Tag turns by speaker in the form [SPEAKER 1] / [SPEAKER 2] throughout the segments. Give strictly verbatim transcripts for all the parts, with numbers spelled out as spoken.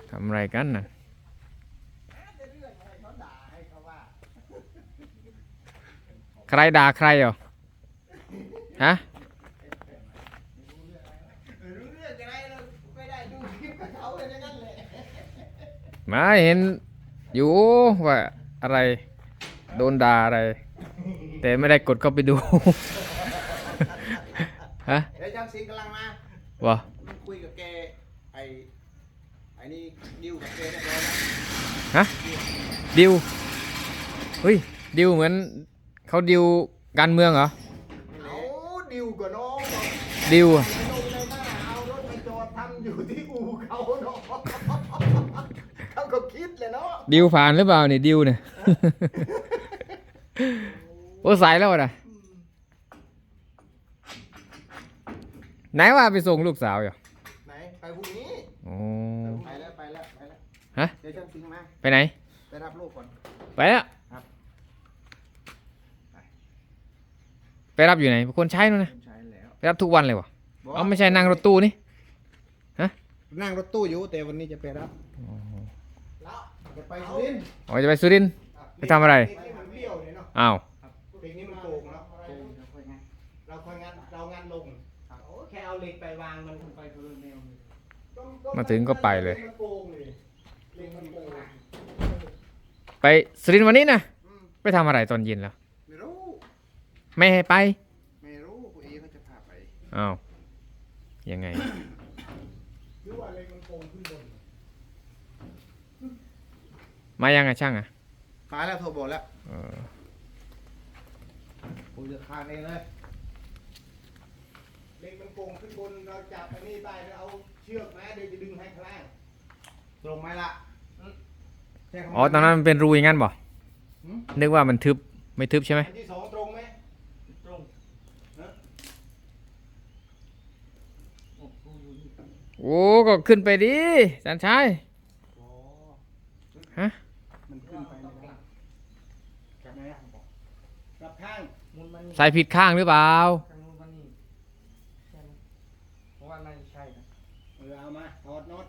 [SPEAKER 1] ทำอะไรกันน่ะใครด่าใครเหรอฮะมาเห็นอยู่ว่าอะไรโดนด่าอะไรแต่ไม่ได้กดเข้าไปดู ฮะ
[SPEAKER 2] เดี๋ยวช่างสิงกำลังมาว
[SPEAKER 1] ะ
[SPEAKER 2] คุยกับแกไอ้ไอ้นี่ดิวกับแกเรียบร้อยแล้ว
[SPEAKER 1] ฮะดิวเฮ้ยดิวเหมือนเขาดิวการเมืองเหรอ
[SPEAKER 2] เอาดิวกับน้องบอก
[SPEAKER 1] ดิว
[SPEAKER 2] ลงในหน้าเอารถมาจอดทำอยู่ที่อู่เขาเนาะเขาก็คิดเลยเนาะ
[SPEAKER 1] ดิวผ่านหรือเปล่าเนี่ยดิวเนี่ย โอ้สายแล้วนะไหนว่าไปส่งลูกสาวอยู่
[SPEAKER 2] ไหนไปพรุ่งนี้
[SPEAKER 1] โอ้
[SPEAKER 2] ไปแล้วไปแล้วไปแล้ว
[SPEAKER 1] ฮะ
[SPEAKER 2] เดี๋ยวช่างสิงมา
[SPEAKER 1] ไปไหน
[SPEAKER 2] ไปรับลูกก่อน
[SPEAKER 1] ไปแล้ว
[SPEAKER 2] ครับ
[SPEAKER 1] ไปรับอยู่ไหนคนใช้นู่นนะ
[SPEAKER 2] ใช่แล้ว
[SPEAKER 1] ไปรับทุกวันเลยวะเอาไม่ใช่นั่งรถตู้นี่
[SPEAKER 2] นั่งรถตู้อยู่แต่วันนี้จะไปรับแล้วจะไปสุรินทร์
[SPEAKER 1] อ๋อจะไปสุรินทร์ ไปทำอะไร
[SPEAKER 2] เพลงนี้มันเบี้ยวเนี่ยเนาะ
[SPEAKER 1] อ้าว
[SPEAKER 2] เพลงนี้มันโกงเนาะโกงเราค่อยงานเราค่อยงานเรางานลงโอ้แค่เอาเหล็กไปวางมันไปคนละแนว
[SPEAKER 1] มาถึงก็ไปเลย
[SPEAKER 2] มันโกงเลยเพลงมันโกง
[SPEAKER 1] ไปสุรินทร์วันนี้นะ
[SPEAKER 2] อืม
[SPEAKER 1] ไปทำอะไรตอนเย็นแล้ว
[SPEAKER 2] ไม่รู้
[SPEAKER 1] ไม่ให้ไป
[SPEAKER 2] ไม่รู้ผู้เอเขาจะพาไป
[SPEAKER 1] อ้าวยังไง
[SPEAKER 2] หรือว่าอะไรมันโกงขึ้นบน
[SPEAKER 1] มายังไงช่างอ่ะ
[SPEAKER 2] มาแล้วโทรบอกแล้ว
[SPEAKER 1] เออ
[SPEAKER 2] คุยจะคานเองเลยเล็กมันโกงขึ้นบนเราจับไปนี่ไปแล้วเอาเชือกมาเดี๋ยวจะดึงให้ข้างล่างตรงไหมล่ะใช่คำ
[SPEAKER 1] อ๋อตอนนั้นมันเป็นรูอย่างงั้นบ่
[SPEAKER 2] หืม
[SPEAKER 1] นึกว่ามันทึบไม่ทึบใช่ไหม
[SPEAKER 2] อันที่สองตรงไหมตรงฮะ
[SPEAKER 1] โอ้ก็ขึ้นไปดิจันชาย
[SPEAKER 2] อ๋อ
[SPEAKER 1] ฮะ
[SPEAKER 2] มันขึ้นไปไม่ได้กลับไหนอ่ะกลับข้างมุนมัน
[SPEAKER 1] ใส่ผิดข้างหรือเปล่า
[SPEAKER 2] ทางนู้นมันนี่ใช่ไหมเพราะว่าน่าจะใช่นะเออเอามาถอดน็อต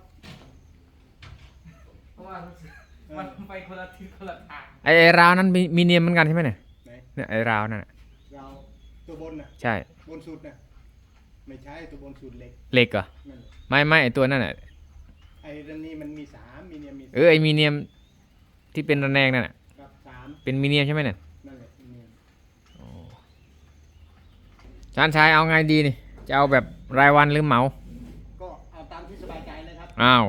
[SPEAKER 3] เพราะว่ามันไปคนละทิศคนละทาง
[SPEAKER 1] ไอ้ไอ้ราวนั้นมีมีเนียมเหมือนกันใช่ไหมเนี่ย
[SPEAKER 2] ไหน
[SPEAKER 1] เนี่ยไอ้ราวนั่นน่ะ
[SPEAKER 2] เราตัวบนน่ะ
[SPEAKER 1] ใช่
[SPEAKER 2] บนสุดน่ะไม่ใช่ตัวบนสุดเล็ก
[SPEAKER 1] เหล็กเหรอ
[SPEAKER 2] นั่นแหละ
[SPEAKER 1] ไม่ไม่ไอ้ตัวนั่นน่ะ
[SPEAKER 2] ไอ้ดันนี้มันมีสามมีเนี่ยมี
[SPEAKER 1] เออไอ้มีเนียมที่เป็นระแนงนั่นน่ะ
[SPEAKER 2] กับสาม
[SPEAKER 1] เป็นมีเนียมใช่ไหมเนี่ย
[SPEAKER 2] นั่นแหละมีเนี่ย
[SPEAKER 1] จันชายเอาไงดีนี่จะเอาแบบรายวันหรือเหมา
[SPEAKER 2] ก็เอาตามที่สบายใจเลยครับ
[SPEAKER 1] อ้าว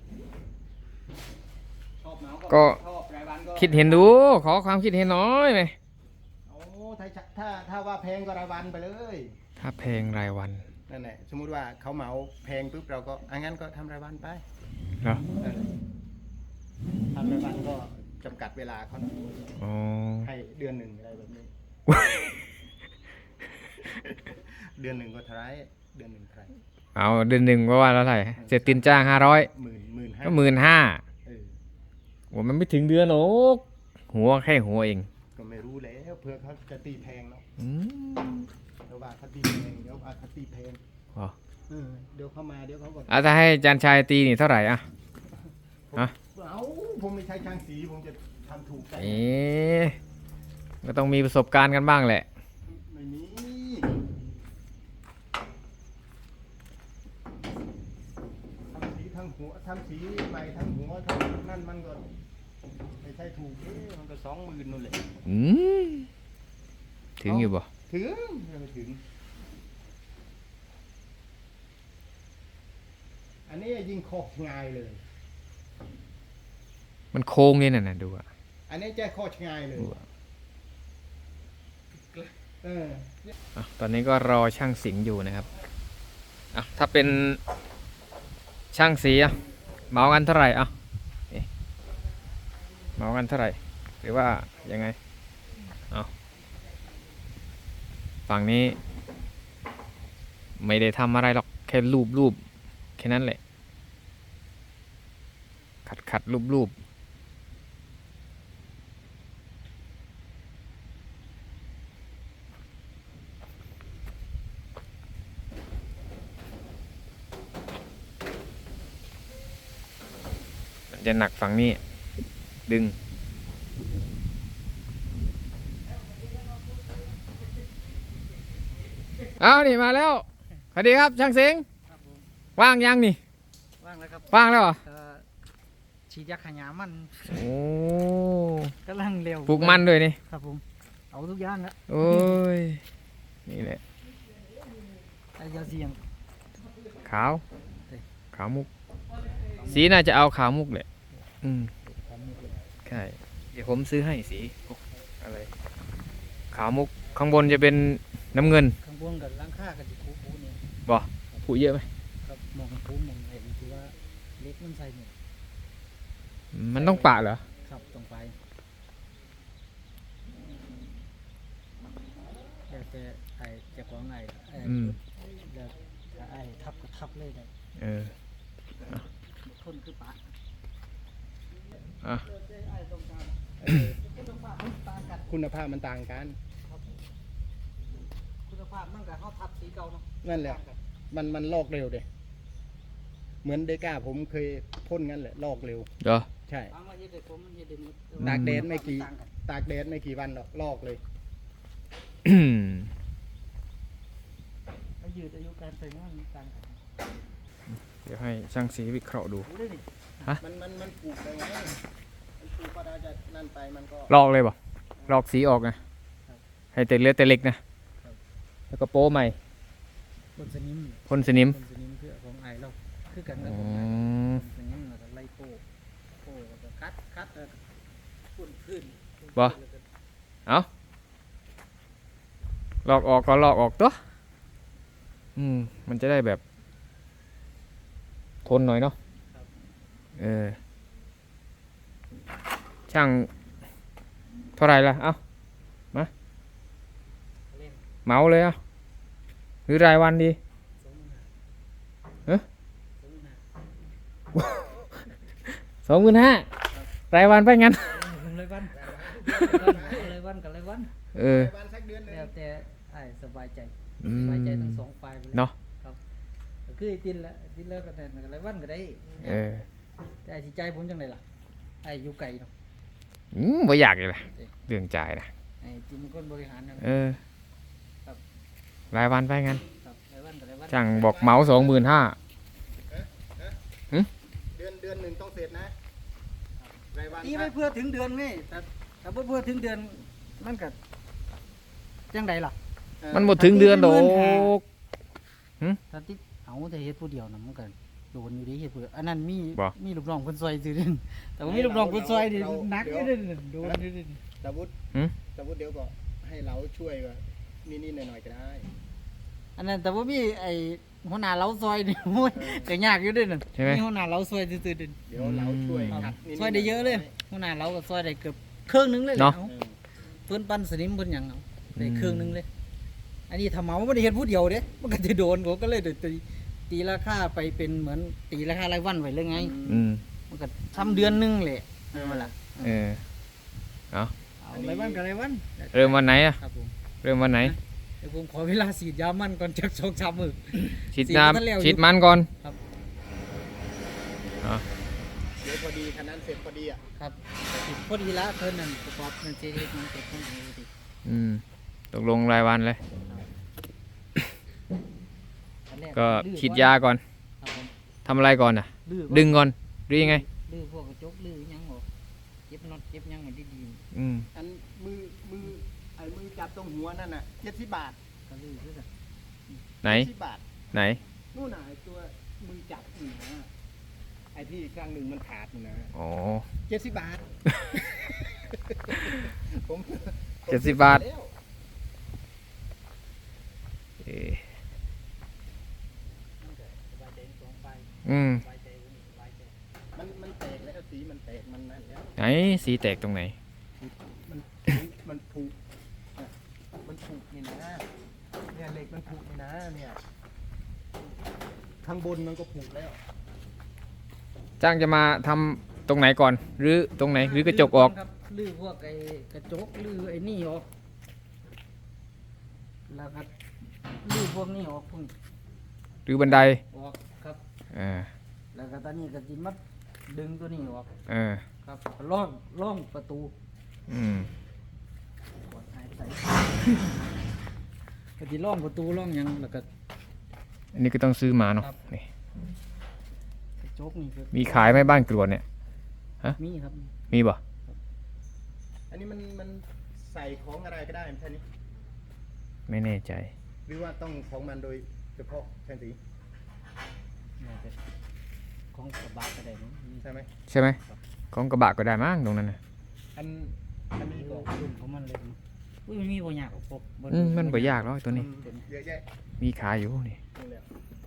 [SPEAKER 2] ชอบเหมา
[SPEAKER 1] ก็
[SPEAKER 2] ชอบรายวันก็
[SPEAKER 1] คิดเห็นดูขอความคิดเห็นหน้อยไหม
[SPEAKER 2] โอ้ถ้าถ้าถ้าว่าแพงก็รายวันไปเลย
[SPEAKER 1] ถ้าเพลงรายวัน
[SPEAKER 2] นั่นแหละสมมุติว่าเขาเหมาแพงปุ๊บเราก็อังั้นก็ทำรายวันไป
[SPEAKER 1] เหรอ
[SPEAKER 2] นั่นแหละทำรายวันก็จำกัดเวลาเขาหน่อย
[SPEAKER 1] อ๋อ
[SPEAKER 2] ให้เดือนหนึ่งอะไรแบบนี้ เดือนหนึ่งก็เท่าไหรเดือนหนึ่งเท่าไหร
[SPEAKER 1] เอาเดือนหนึ่งก็ว่าแล้วเท่าไหร่เสร็จตินจ้างห้าร้อย
[SPEAKER 2] หมื่นหมื่นห้า
[SPEAKER 1] ก็หมื่นห้า
[SPEAKER 2] เออ
[SPEAKER 1] โอ้มันไม่ถึงเดือนหรอกหัวแค่หัวเอง
[SPEAKER 2] ก็ไม่รู้แล้วเพื่อเขาจะตีแพงเนาะ
[SPEAKER 1] อืม
[SPEAKER 2] เดี๋ยวว่าเขาตีแพงเดี๋ยวว่าเขาตีแพง
[SPEAKER 1] อ๋อ
[SPEAKER 2] เออเดี๋ยวเข้ามาเดี๋ยวเขาก็
[SPEAKER 1] อ่ะถ้าให้จันชายตีนี่เท่าไหร่อ่ะ
[SPEAKER 2] ผม
[SPEAKER 1] ฮะ
[SPEAKER 2] เอาผมไม่ใช่ช่างสีผมจะทำถูกใจ
[SPEAKER 1] เอ๊ะก็ต้องมีประสบการณ์กันบ้างแหละ
[SPEAKER 2] ไม่มีทำสีทั้งหัวทำสีใหม่ทั้งหัวทั้งนั่นมันก็ไม่ใช่ถูกเอ๊ะมันก็สองหมื่นนู่นแหละ
[SPEAKER 1] อืมถึงอยู่บ่
[SPEAKER 2] ถึงไม่ถึง อันนี้ยิงโคกง่ายเลย
[SPEAKER 1] มันโค้งนี่น่ะนะดูอ่ะ
[SPEAKER 2] อันนี้แจ้โคกง่ายเลย
[SPEAKER 1] ดูอะ
[SPEAKER 2] เออ
[SPEAKER 1] อ่ะตอนนี้ก็รอช่างสิงห์อยู่นะครับอ่ะถ้าเป็นช่างสีอ่ะเหมากันเท่าไหร่อ่ะเอ๊ะเหมากันเท่าไหร่หรือว่ายังไงเอาฝั่งนี้ไม่ได้ทำอะไรหรอกแค่รูปรูปแค่นั้นแหละขัดขัดรูปรูปจะหนักฝั่งนี้ ดึง เอานี่มาแล้วสวัสดีครับช่างเสียง
[SPEAKER 3] ครับผม
[SPEAKER 1] ว่างยังนี่
[SPEAKER 3] ว่างแล้วครับ
[SPEAKER 1] ว่างแล้วเหรอ
[SPEAKER 3] เอ่อฉีดยาขยามัน
[SPEAKER 1] โอ้
[SPEAKER 3] กำลังเร็ว
[SPEAKER 1] ปลูกมันด้วยนี่
[SPEAKER 3] ครับผมเอาทุกอย่างละ
[SPEAKER 1] โอ้ย นี่แหละ
[SPEAKER 3] ไอ้ยาเสียง
[SPEAKER 1] ขาว ขาวมุก สีน่าจะเอาขาวมุกแหละ อืม ใช่ เดี๋ยวผมซื้อให้สีพวกอะไร ขาวมุก ข้างบนจะเป็นน้ำเงิน
[SPEAKER 3] ข้างบนกับล้างค่ากับจิคูปูเนี่ย
[SPEAKER 1] บ่ผูเยอะไหม
[SPEAKER 3] ครับมองคูมองเห็นคือว่าเล็กมันใส่เนี่ย
[SPEAKER 1] มันต้องปะเหรอ
[SPEAKER 3] ครับตรงไปแล้วแต่ไอ้เจะของไอ้ไอ้
[SPEAKER 1] อืม
[SPEAKER 3] แล้วถ้าไอ้ทับก็ทับเลยได้
[SPEAKER 1] เออ
[SPEAKER 3] ทนคือปะ
[SPEAKER 1] อ่ะ
[SPEAKER 3] ไอ้ตรงกลาง
[SPEAKER 2] เออ
[SPEAKER 3] คุณภาพมันต่างกัน
[SPEAKER 2] คุณภาพมันต่างกัน
[SPEAKER 3] คุณภาพมันกับเขาทับสีเก่าเนาะ
[SPEAKER 2] นั่นแหละ มันมันลอกเร็วเด้เหมือนเดก้าผมเคยพ่นงั้นแหละลอกเร็ว
[SPEAKER 1] เดี๋ยว
[SPEAKER 2] ใช่
[SPEAKER 3] บางวันเฮ็ดได้ผมมันเฮ็ดได้หมด
[SPEAKER 2] ตากแดดไม่กี่
[SPEAKER 3] ต่างน
[SPEAKER 2] ตากแดดไม่กี่วันหรอกลอกเลย
[SPEAKER 3] อายุอายุการใช้งานมันต่างกัน
[SPEAKER 1] เดี๋ยวให้ช่างสีวิเคราะห์ดู
[SPEAKER 3] รู้ได้ดิ
[SPEAKER 2] มันมันมันปลูกได้ไงมันปลูกก็ได้จะนั่นไปมันก็
[SPEAKER 1] ลอกเลยบ่ลอกสีออกนะ ให้แต่เลือดแต่เล็กนะ แล้วก็โป้ใหม่
[SPEAKER 3] คนสนิม
[SPEAKER 1] พ่นสนิม
[SPEAKER 3] คนสนิมคือของไอเราคือกันกั
[SPEAKER 1] อ๋
[SPEAKER 3] บ
[SPEAKER 1] อ
[SPEAKER 3] ของไอคนสนิมเราก็ไล่โป้โป้แล้วก็คัดคัดแล้วก็ปุ่นพื้น
[SPEAKER 1] บ่ เอาลอกออกก็ลอกออกตัว อืม มันจะได้แบบ ทนหน่อยเนาะ เออ ช่าง เท่าไหรล่ะ เอามา
[SPEAKER 3] เล่น
[SPEAKER 1] เหมาเลยเอาหรือรายวันดี
[SPEAKER 3] สองหมื่นห้า
[SPEAKER 1] เอ๊ะ
[SPEAKER 3] สองหมื่นห้า
[SPEAKER 1] สองหมื่นห้า รายวันไปงั้น
[SPEAKER 3] เลยวันเลยวันกับเลยวัน
[SPEAKER 1] เออ
[SPEAKER 2] วันสักเดือนหนึง
[SPEAKER 3] แล้วแต่ไอสบายใจ
[SPEAKER 1] อืม
[SPEAKER 3] สบายใจทั้งสองฝ่ายไปเลย
[SPEAKER 1] เนาะ
[SPEAKER 3] ครับก็คือไอ้ตินละตินเลิกกันแต่กับเลยวันก็ได้
[SPEAKER 1] เออ
[SPEAKER 3] แต่ไอ้ที่ใจผมจังไดล่ะไอ้อยู่ไกลเนาะ
[SPEAKER 1] อืมบ่อยากเลยล่ะเรื่องจ่ายนะ
[SPEAKER 3] ไอ้จิมคนบริหารนะ
[SPEAKER 1] เออ
[SPEAKER 3] ครับ
[SPEAKER 1] รายวันไปงั้น
[SPEAKER 3] ครับเลยวันกับเลยวัน
[SPEAKER 1] ช่างบอกเหมาสองหมื่นห้า
[SPEAKER 2] เดือนเดือนหนึ่งต้องเสร็จนะรายวัน
[SPEAKER 3] ตีไม่เพื่อถึงเดือนนี่แต่แต่บ่เพื่อถึงเดือนมันก็จังไดล่ะ
[SPEAKER 2] เออ
[SPEAKER 1] มันหมดถึงเดือนโดก
[SPEAKER 3] ถ้าติเอาแต่เฮ็ดผู้เดียวน่ะมันก็โดนอยู่ดิเฮ็ดผู้เดียวอันนั้นมี
[SPEAKER 1] บ่
[SPEAKER 3] มีลูกน้องเพิ่นซอยซื่อเด้นแต่ว่ามีลูกน้องเพิ่นซอยนี่หนักอยู่เด้นโดนอยู่เด้น
[SPEAKER 2] สมมุติ
[SPEAKER 1] หืม
[SPEAKER 2] สมมุติเดี๋ยวก็ให้เราช่วยว่านิดๆหน่อยๆก็ได้
[SPEAKER 3] อันนั้นแต่ว่ามีไอ้หัวหน้าเราซอยนี่ โอ้ยก็ยากอยู่เด้น
[SPEAKER 1] ใช่ไหม
[SPEAKER 3] มีหัวหน้าเราซอยซื่อๆเด้น
[SPEAKER 2] เดี๋ยวเราช่วย
[SPEAKER 1] อืม
[SPEAKER 2] ขัดนิดๆ
[SPEAKER 3] ซอยได้เยอะเลย
[SPEAKER 2] หน่
[SPEAKER 3] หัวหน้าเราก็ซอยได้เกือบครึ่งหนึงเลยแหละ
[SPEAKER 1] เนาะ
[SPEAKER 3] เอา
[SPEAKER 2] ๆเออ
[SPEAKER 3] เพิ่นปั้นสนิมเพิ่นหยังเอาได้
[SPEAKER 1] อืม
[SPEAKER 3] ครึ่งหนึงเลย อันนี้ถ้าเหมาบ่ได้เฮ็ดผู้เดียวเด้มันก็จะโดนเขาก็เลยตีตีราคาไปเป็นเหมือนตีราคารายวันไว้เลยไง
[SPEAKER 1] อืม
[SPEAKER 3] มันก็ทำเดือนหนึงแหละเออล่ะ
[SPEAKER 1] เออ
[SPEAKER 3] เอารายวันกับรายวัน
[SPEAKER 1] เริ่มวันไหนอะ
[SPEAKER 3] ครับผม
[SPEAKER 1] เริ่มวันไหน
[SPEAKER 3] เดี๋ยวผมขอเวลาฉีดยามันก่อนจักสองสามมื้อ
[SPEAKER 1] ฉีด
[SPEAKER 3] ฉีดมาแล้วอยู่
[SPEAKER 1] น้ำฉีดมันก่อน
[SPEAKER 3] ครับ
[SPEAKER 1] อ๋อ
[SPEAKER 2] เดี๋ยวพอดีคันนั้นเสร็จพอดีอ่ะ
[SPEAKER 3] ครับฉีดพอดีละเพิ่นนั่นประกอบนั่นเจเฮ็ดมันเสร็จเพิ่นปกติ
[SPEAKER 1] อืม ตกลงรายวันเลย
[SPEAKER 3] อันแร
[SPEAKER 1] ก็
[SPEAKER 3] ลื้อ
[SPEAKER 1] ฉีดยาก่อน
[SPEAKER 3] ครับผม
[SPEAKER 1] ทำอะไรก่อนอ่ะ
[SPEAKER 3] ลื้อ
[SPEAKER 1] ดึงก่อนหรือยังไง
[SPEAKER 3] ลื้อพวกกระจกลื้อหยังออกเก็บน็อตเก็บหยังมันดี
[SPEAKER 1] อืม
[SPEAKER 2] อันมือมือไอ้มือจับตรงหัวนั่นน่ะเจ็ดสิบบาท
[SPEAKER 3] ๆก็ลื้อคือกัน
[SPEAKER 1] ไหน
[SPEAKER 2] เจ็ดสิบบาท
[SPEAKER 1] ไหน
[SPEAKER 2] นู่นน่ะไอ้ตัวมือจับนี่นะไอ้ที่ข้างหนึ่งมันขาดนี่นะ
[SPEAKER 1] อ๋อ
[SPEAKER 2] เจ็ดสิบบาท ผมผม
[SPEAKER 1] เจ็ดสิบบาท
[SPEAKER 2] แล้ว
[SPEAKER 1] เอ๊ะ
[SPEAKER 3] มันก็สบายใจทั้งสองฝ่าย
[SPEAKER 1] อืม
[SPEAKER 3] สบายใจผมสบายใจ
[SPEAKER 2] มันมันแตกแล้วสีมันแตกมันนั่นแล้ว
[SPEAKER 1] ไหน สีแตกตรงไหน
[SPEAKER 2] มันมันผุอ่ะมันผุนี่นะเนี่ยเหล็กมันผุนี่นะเนี่ยข้างบนมันก็ผุแล้ว
[SPEAKER 1] จ้างจะมาทำตรงไหนก่อน หรือตรงไหน หรือกระจกออก
[SPEAKER 3] ครับลื้อพวกไอ้กระจกลื้อไอ้นี่ออกแล้วก็ลื้อพวกนี้ออกพวกนี้
[SPEAKER 1] หรือบันได
[SPEAKER 3] ออกครับ
[SPEAKER 1] อ่า
[SPEAKER 3] แล้วก็ตอนนี้ก็สิมาดึงตัวนี้ออก
[SPEAKER 1] เออ
[SPEAKER 3] ครับล่องล่องประตู
[SPEAKER 1] อืม
[SPEAKER 3] กดหายใส่ปฏิล่องประตูล่องหยังแล้วก็
[SPEAKER 1] อันนี้ก็ต้องซื้อมาเนาะ
[SPEAKER 3] ครับ
[SPEAKER 1] นี่
[SPEAKER 3] กระจกนี่คือ
[SPEAKER 1] มีขายไหมบ้านกรวดเนี่ย
[SPEAKER 3] มีครับ
[SPEAKER 1] มีบ่
[SPEAKER 2] อันนี้มันมันใส่ของอะไรก็ได้ใช่ไหม
[SPEAKER 1] ไม่แน่ใจ
[SPEAKER 2] หรือว่าต้องของมันโดยเฉพาะช่างสี
[SPEAKER 3] น่าจะของกระบะก็ได้มั้งมี
[SPEAKER 2] ใช่ไหม
[SPEAKER 1] ใช่ไหมของกระบะก็ได้มั้งตรงนั้นนะ
[SPEAKER 2] อันอันนี้ก็
[SPEAKER 3] รุ่นของมันเลยมั้งอุ้ยมันมีบ่ยากหรอกพวก
[SPEAKER 1] อืมมันบ่ยากหรอกตัวนี้
[SPEAKER 2] อืมเยอะแยะ
[SPEAKER 1] มีขายอยู่นี่
[SPEAKER 2] นี่แหละ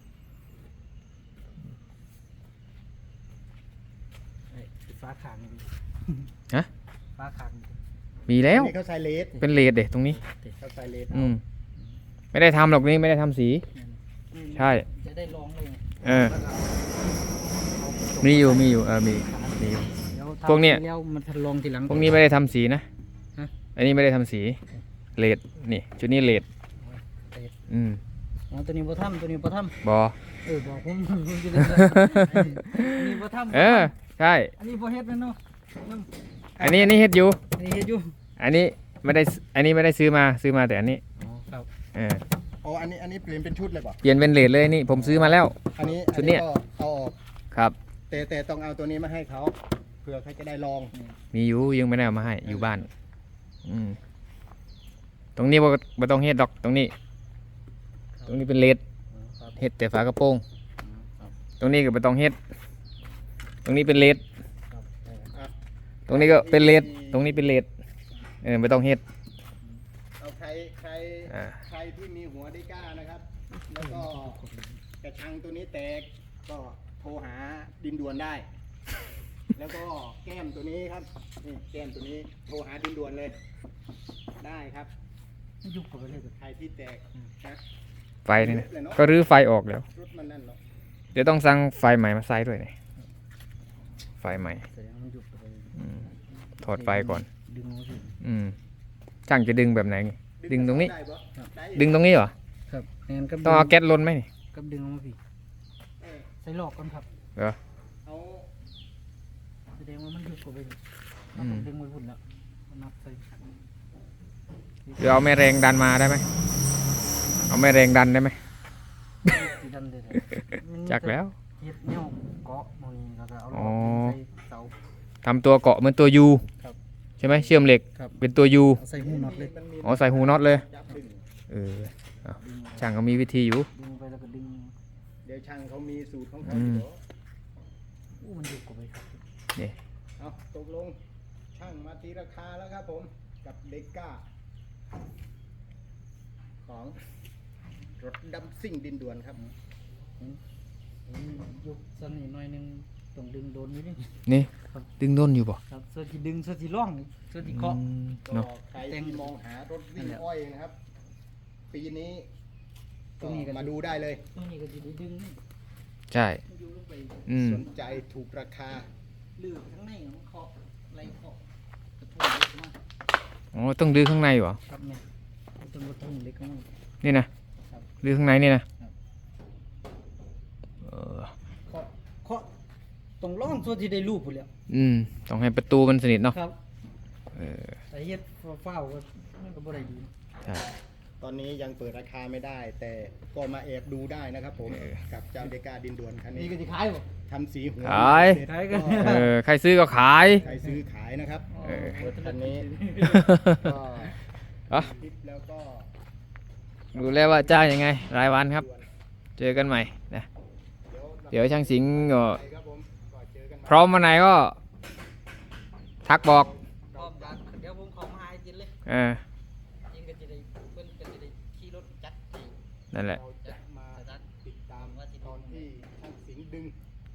[SPEAKER 3] ไอ้ฟ้าขางนี่ดิ
[SPEAKER 1] ฮะ
[SPEAKER 3] ฟ้าขางนี่ดิ
[SPEAKER 1] มีแล้ว
[SPEAKER 2] นี่เขาใส่เลส
[SPEAKER 1] เป็นเลดเด็ตรงนี้
[SPEAKER 2] เขาใส่เลส
[SPEAKER 1] อืมไม่ได้ทำหรอกนี่ไม่ได้ทำสี ใช่
[SPEAKER 3] จะได้ลองเลยไง
[SPEAKER 1] เออ มีอยู่มีอยู่เออมีมีอยู่
[SPEAKER 3] เดี๋ยว
[SPEAKER 1] พวกเนี้ย
[SPEAKER 3] ทำแล้วมันทดลองทีหลัง
[SPEAKER 1] พวกนี้ไม่ได้ทำสีนะ
[SPEAKER 3] ฮะ
[SPEAKER 1] อันนี้ไม่ได้ทำสีเลดนี่ชุดนี้เลดอืม
[SPEAKER 3] อ๋อตัวนี้บ่ทำตัวนี้บ่ท
[SPEAKER 1] บอ
[SPEAKER 3] ำเออบอกผมผมจะได้อันนี้บ่ทำ
[SPEAKER 1] เออใช่
[SPEAKER 3] อันนี้บ่เฮ็ดแม่นเนาะน้ำ
[SPEAKER 1] อันนี้อันนี้เฮ็ดอยู่
[SPEAKER 3] อันนี้เฮ็ดอยู่
[SPEAKER 1] อันนี้ไม่ได้อันนี้ไม่ได้ซื้อมาซื้อมาแต่อันนี้
[SPEAKER 3] อ๋อครับ
[SPEAKER 1] เออ
[SPEAKER 2] อ๋ออันนี้อันนี้เปลี่ยนเป็นชุดเลยป่ะ
[SPEAKER 1] เปลี่ยนเป็นเลดเลยนี่ผมซื้อมาแล้ว
[SPEAKER 2] อันนี้
[SPEAKER 1] ชุดเนี้ย
[SPEAKER 2] อัก็เอาออก
[SPEAKER 1] ครับ
[SPEAKER 2] แต่แต่ต้องเอาตัวนี้มาให้เขาเผื่อเขาจะได้ลอง
[SPEAKER 1] มีอยู่ยังไม่ได้เอามาให้อยู่บ้านอืมตรงนี้บ่บ่ต้องเฮ็ดดอกตรงนี้ ตรงนี้เป็นเลด
[SPEAKER 3] อ๋อครับ
[SPEAKER 1] เฮ็ดแต่ฝากระโปรง
[SPEAKER 3] อ๋อครับ
[SPEAKER 1] ตรงนี้ก็บ่ต้องเฮ็ดตรงนี้เป็นเลด
[SPEAKER 3] ครับได้ครับ
[SPEAKER 1] ตรงนี้ก็เป็นเลดตรงนี้เป็นเลดเออไม่ต้องเฮ็ด
[SPEAKER 2] เอาใครใคร
[SPEAKER 1] อ่า
[SPEAKER 2] ใครที่มีหัวได้กล้านะครับ แล้วก็กระชังตัวนี้แตกก็โทรหาดินด่วนได้ แล้วก็แก้มตัวนี้ครับนี่แก้มตัวนี้โทรหาดินด่วนเลย ได้ครับ
[SPEAKER 3] ไม่ยุบเข้าไปเลย
[SPEAKER 2] ใครที่แตกนะ
[SPEAKER 1] ไฟนี่นะก็รื้อไฟออกแล้ว
[SPEAKER 2] รถมันนั่นเนาะ
[SPEAKER 1] เดี๋ยวต้องสั่งไฟใหม่มาใส่ด้วยนี่ไฟใหม่
[SPEAKER 3] แสดงว่ามันยุบเข้าไปเลย
[SPEAKER 1] อืมถอดไฟก่อน
[SPEAKER 3] ดึงเอาสิ
[SPEAKER 1] อืมช่างจะดึงแบบไหนนี่ดึงตรงนี้
[SPEAKER 2] ได้ปะได้
[SPEAKER 1] ดึงตรงนี้เหรอ
[SPEAKER 3] ครับแอนกับ
[SPEAKER 1] ต้องเอาแก๊สลนไหมนี่
[SPEAKER 3] กับดึงออกมาพี่
[SPEAKER 2] เออ
[SPEAKER 3] ใส่หลอกก่อนครับ
[SPEAKER 1] เหรอ
[SPEAKER 2] เอา
[SPEAKER 3] แสดงว่ามันยุบเข้าไปเลย
[SPEAKER 1] อื
[SPEAKER 3] เรา
[SPEAKER 1] ม
[SPEAKER 3] ต้องดึงไว้พุ่นแล้วนับใส่
[SPEAKER 1] เดี๋ยวเอาแม่แรงดันมาได้ไหมเอาแม่แรงดันได้ไหม
[SPEAKER 3] สีดันเลย
[SPEAKER 1] จักแล้ว
[SPEAKER 3] เฮ็ดแนวเกาะหมองนี้แล้วก็เอาหล
[SPEAKER 1] อ๋
[SPEAKER 3] อ
[SPEAKER 1] อ
[SPEAKER 3] กใส่เสา
[SPEAKER 1] ทำตัวเกาะเหมือนตัวยู
[SPEAKER 3] ครับ
[SPEAKER 1] ใช่ไหมเชื่อมเหล็ก
[SPEAKER 3] ครับ
[SPEAKER 1] เป็นตัวยู
[SPEAKER 3] เอาใส่หูน็อตเลย
[SPEAKER 2] มันมี
[SPEAKER 1] อ๋อใส่หูน็อตเลย
[SPEAKER 2] จับดึง
[SPEAKER 1] เออเอา
[SPEAKER 3] ดึง
[SPEAKER 1] ช่างก็มีวิธีอยู่
[SPEAKER 3] ดึงไปแล้วก็ดึง
[SPEAKER 2] เดี๋ยวช่างเขามีสูตรของเขา
[SPEAKER 1] อื
[SPEAKER 2] อ
[SPEAKER 1] ม
[SPEAKER 2] ยู่เดี๋ยว
[SPEAKER 3] อู้มันยุบเข้าไปครับ
[SPEAKER 1] นี่
[SPEAKER 2] เอาตกลงช่างมาตีราคาแล้วครับผมกับเด็กก้า ของรถดำซิ่งดินด่วนครับ
[SPEAKER 3] อืมยุบสันนิดหน่อยหนึงต้องดึงโดนนิดนึง
[SPEAKER 1] นี่
[SPEAKER 3] ครับ
[SPEAKER 1] ดึงด้นอยู่ป่ะ
[SPEAKER 3] ครับส่วนที่ดึงส่วนที่ร่องส่วนที่เกาะ
[SPEAKER 2] ก็
[SPEAKER 1] เนาะ
[SPEAKER 2] ใครที่มองหารถวิ่งอ้อยนะครับ ปีนี้
[SPEAKER 3] ตรงนี้ก็
[SPEAKER 2] มาดูได้เลย
[SPEAKER 3] ตรงนี้ก็จะได้ดึงนี่
[SPEAKER 1] ใช่
[SPEAKER 3] มันอยู่ลงไป
[SPEAKER 1] อืม
[SPEAKER 2] สนใจถูกราคา
[SPEAKER 3] ลือข้างในของเคาะไรเคาะกระทุ้งเล็กมาก
[SPEAKER 1] อ๋อต้องดื้อข้างในเหรอ
[SPEAKER 3] ครับเนี่ยต้นกระทุ้งเล็กมาก
[SPEAKER 1] นี่นะครับ ดื้อข้างในนี่นะครับ เออ
[SPEAKER 3] เคาะเคาะตรงร่องส่วนที่ได้รูปหมดแล้ว
[SPEAKER 1] อืมต้องให้ประตูมันสนิทเนาะ
[SPEAKER 3] ครับ
[SPEAKER 1] เออ
[SPEAKER 3] แต่เฮ็ดเฝ้าๆก็มันก็บ่ได้ดี
[SPEAKER 1] ใช่
[SPEAKER 2] ตอนนี้ยังเปิดราคาไม่ได้ แต่ก็มาแอบดูได้นะครับผม
[SPEAKER 1] เออ
[SPEAKER 2] กับเจ้าเดกาดินด่วนคัน
[SPEAKER 3] นี่
[SPEAKER 2] นี้
[SPEAKER 3] ก็สิขายบ่
[SPEAKER 2] ทำสีหัว
[SPEAKER 1] ขาย
[SPEAKER 2] เสร็จ
[SPEAKER 3] ขายกัน
[SPEAKER 1] เออใครซื้อก็ขาย
[SPEAKER 2] ใครซื้อขายนะครับ
[SPEAKER 1] เออ
[SPEAKER 2] รถคันนี้ก็
[SPEAKER 1] อ่ะ
[SPEAKER 2] คลิปแล้วก็
[SPEAKER 1] ดูแล้วว่าจ้างยังไง รายวันครับ เจอกันใหม่นะ
[SPEAKER 2] เดี๋ยว
[SPEAKER 1] เดี๋ยวช่างสิงห์ก็
[SPEAKER 2] ไปครับผมก็เจอกันใหม่
[SPEAKER 1] พร้อมวันไหนก็ ทักบอก
[SPEAKER 3] พร้อมกันเดี๋ยวผมเข้ามาหาไอ้จินเลย
[SPEAKER 1] เออ
[SPEAKER 3] จินก็จะได้เพิ่นก็จะได้ขี่รถจัดให้
[SPEAKER 1] นั่นแหละ
[SPEAKER 2] เราจะมาติดตามตอนที่ช่างสิงห์ดึง